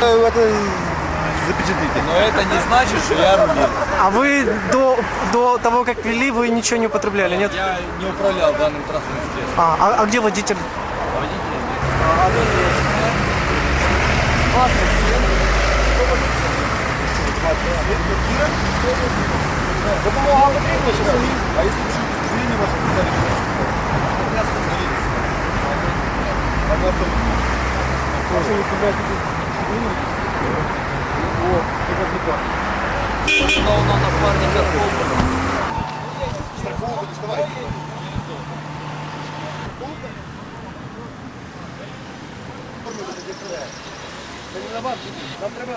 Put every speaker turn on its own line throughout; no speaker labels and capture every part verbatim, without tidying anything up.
Это запечатлите.
Но это не значит, что я рулил.
А вы до, до того, как вели, вы ничего не употребляли, нет?
Я не управлял данным транспортным средством.
А, а, а где водитель?
Водитель.
Допомога потрібна чи самі? А якщо пишуть удостоверення ваше, то далі що? Якраз остановилися. А на автомобілі. А що ви купляєте удостоверення? О, так як не так.
Установлено напарника Колбана.
Страховку доставайте. Нам треба...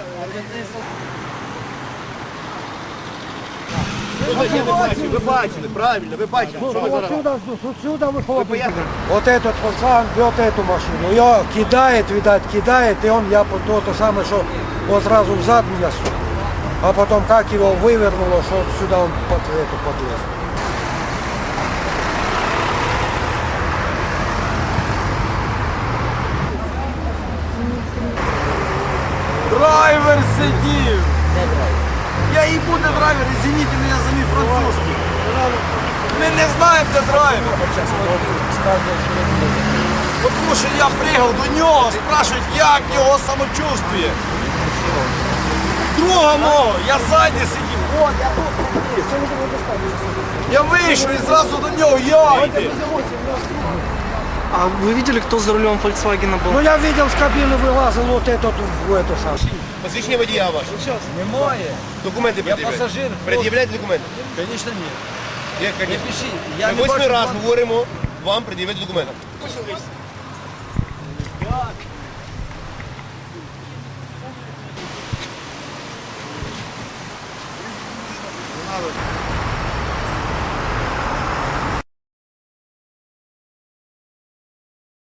Ви бачили, ви бачили, правильно, ви бачили, що ви зараз.
Отсюда выходит.
Вот этот пацан вез эту машину, ее кидает, видать, кидает, и он, я то, то самое, что он сразу взад меня сунул. А потом как его вывернуло, что сюда он под эту подлез.
Драйвер сидів! Я і буде драйвер, извините мене за мій французький. Ми не знаємо, де драйвер. Тому що я приїхав до нього, спрашують, як його самочувствие. Друга мого, я ззаді сидів, от, я тут сидів. Я вийшов і зразу до нього, я йди.
А вы видели, кто за рулем Volkswagen был?
Ну я видел, с кабины вылазил вот этот в эту самую.
Посвідчення водія ваше.
Немає.
Документи
Я
пред'являйте.
пасажир.
Пред'являйте документи.
Звісно, ні.
Є,
Не
звісно.
пишіть. Я
Ми
не
восьмий
бачу.
раз говоримо вам пред'явити документи.
Надо.